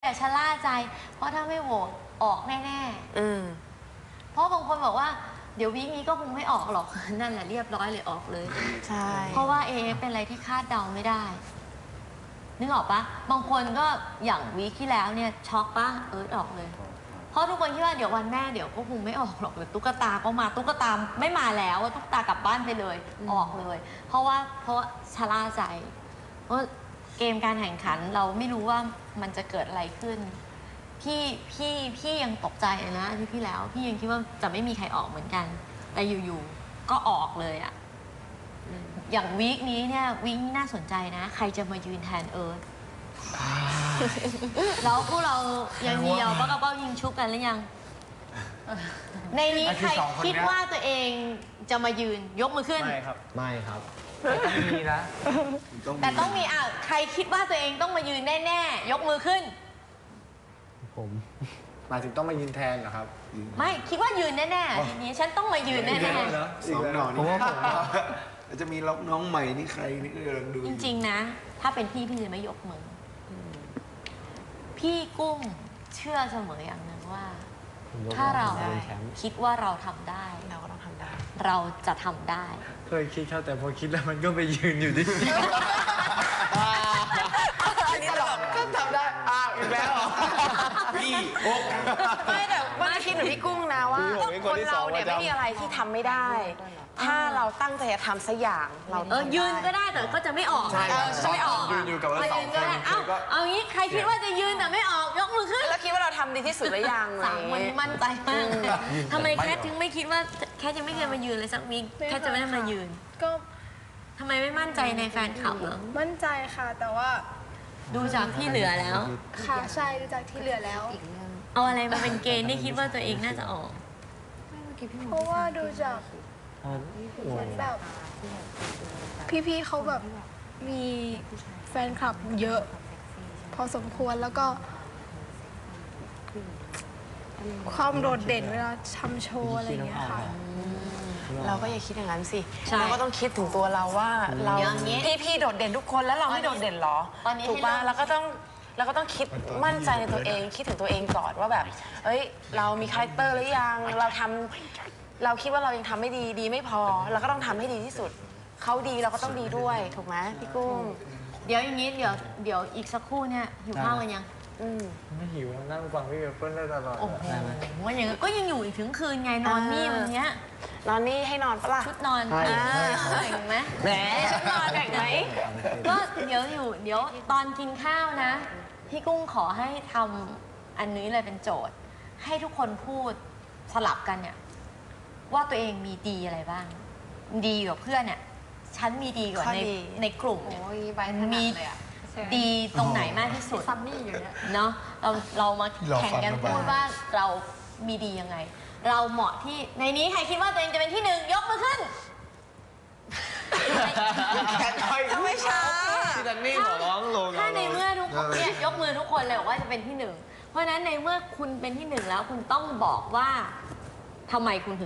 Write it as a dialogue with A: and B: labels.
A: อย่าชะล่าใจเพราะถ้าไม่โหวตออกแน่ๆเพราะบางคนบอกว่าเดี๋ยววีคนี้ก็คงไม่ออกหรอกนั่นแหละเรียบร้อยเลยออกเลย
B: ใช่
A: เพราะว่าเป็นอะไรที่คาดเดาไม่ได้นึกออกปะบางคนก็อย่างวีคที่แล้วเนี่ยช็อกปะออกเลยเพราะทุกคนคิดว่าเดี๋ยววันแม่เดี๋ยวก็คงไม่ออกหรอกหรือตุ๊กตาก็มาตุ๊กตาไม่มาแล้วว่าตุ๊กตากลับบ้านไปเลยออกเลยเพราะชะล่าใจเพราะเกมการแข่งขันเราไม่รู้ว่ามันจะเกิดอะไรขึ้นพี่ยังตกใจนะอาทิตย์ที่แล้วพี่ยังคิดว่าจะไม่มีใครออกเหมือนกันแต่อยู่ๆก็ออกเลยอะอย่างวีคนี้เนี่ยวีคนี้น่าสนใจนะใครจะมายืนแทนแล้วพวกเรายังเดียวป้ากระเป้ายิงชุบกันหรือยังในนี้ใครคิดว่าตัวเองจะมายืนยกมือขึ้น
C: ไม่ครับไม่ครับ
D: ต้องมีนะ
A: แต่ต้องมีใครคิดว่าตัวเองต้องมายืนแน่ๆยกมือขึ้น
C: ผมหมายถึงต้องมายืนแทนเหรอครับ
A: ไม่คิดว่ายืนแน่ๆทีนี้ฉันต้องมายืนแน่
E: ๆสองหน่อนี่จะมีน้องใหม่นี่ใครนี่ก็กำลังดู
A: จริงๆนะถ้าเป็นพี่จะไม่ยกมือพี่กุ้งเชื่อเสมออย่างหนึ่งว่าถ้าเราคิดว่าเราทำได้
B: เราก็ต้องทำได้
A: เราจะทำได้
C: เคยคิดครับแต่พอคิดแล้วมันก็ไปยืนอยู่ที่
B: อันนี้ตลอด
D: ก็ทำได้อีกแล้ว
E: พี่โอ๊ก
B: ไม่แต่ว่าคิดเหมือนพี่กุ้งนะว่าคนเราเนี่ยไม่มีอะไรที่ทำไม่ได้ถ้าเราตั้งใจจะทำสักอย่างเรา
A: ยืนก็ได้แต่ก็จะไม่ออก
B: จะไม่ออก
E: ยืนอยู่กับเราสองคน
A: เอางี้ใครคิดว่าจะยืนแต่ไม่ออกยกมือขึ้น
B: แล้วคิดว่าเราทำดีที่สุดหรือยัง
A: 3 วันมั่นใจมากทำไมแคทถึงไม่คิดว่าแคทยังไม่เคยมายืนเลยสักวีคแคทจะไม่ได้มายืน
F: ก็
A: ทำไมไม่มั่นใจในแฟนคลับเหรอ
F: มั่นใจค่ะแต่ว่า
A: ดูจากที่เหลือแล้ว
F: ค่ะใช่ดูจากที่เหลือแล้ว
A: เอาอะไรมาเป็นเกณฑ์ที่คิดว่าตัวเองน่าจะออก
F: เพราะว่าดูจากเหมือนแบบพี่ๆเขาแบบมีแฟนคลับเยอะพอสมควรแล้วก็ความโดดเด่นเวลาทำโชว์อะไรอย่างเงี้ยค่ะ
B: เราก็อย่าคิดอย่างนั้นสิเราก็ต้องคิดถึงตัวเราว่าเราพี่โดดเด่นทุกคนแล้วเราไม่โดดเด่นหรอถูกป่ะเราก็ต้องคิดมั่นใจในตัวเองคิดถึงตัวเองก่อนว่าแบบเรามีคาแรคเตอร์หรือยังเราคิดว่าเรายังทำไม่ดีไม่พอเราก็ต้องทำให้ดีที่สุดเขาดีเราก็ต้องดีด้วยถูกไหมพี่กุ้ง
A: เดี๋ยวอย่างนี้เดี๋ยวอีกสักครู่เนี่ยหิวข้าวกันยัง
C: ไม่หิวนั่งฟังพี่เปิ้ลได้ตลอด
A: โอ้โหว่าอย่างนี้ก็ยังอยู่อีกถึงคืนไงนอนนี่วันนี้
B: นอนนี่ให้นอนปะล่ะ
A: ชุดนอนแบ่งไหม
B: แหมชุดนอนแบ่งไหม
A: ก็เดี๋ยวตอนกินข้าวนะพี่กุ้งขอให้ทำอันนี้เลยเป็นโจทย์ให้ทุกคนพูดสลับกันเนี่ยว่าตัวเองมีดีอะไรบ้างดีกว่าเพื่อนเนี่ยฉันมีดีกว่าในกลุ่มมีดีตรงไหนมากที่สุดซัมมี่อยู่เนี่ยเนาะเรามาแข่งกันพูดว่าเรามีดียังไงเราเหมาะที่ในนี้ใครคิดว่าตัวเองจะเป็นที่1ยกมือขึ้น
B: ไม่ช้า
C: ที่ดันนี่ขอร้องลง
A: ถ้าในเมื่อทุกคนเนี่ยยกมือทุกคนเลยบอกว่าจะเป็นที่1เพราะฉะนั้นในเมื่อคุณเป็นที่1แล้วคุณต้องบอกว่าทำไมคุณถึง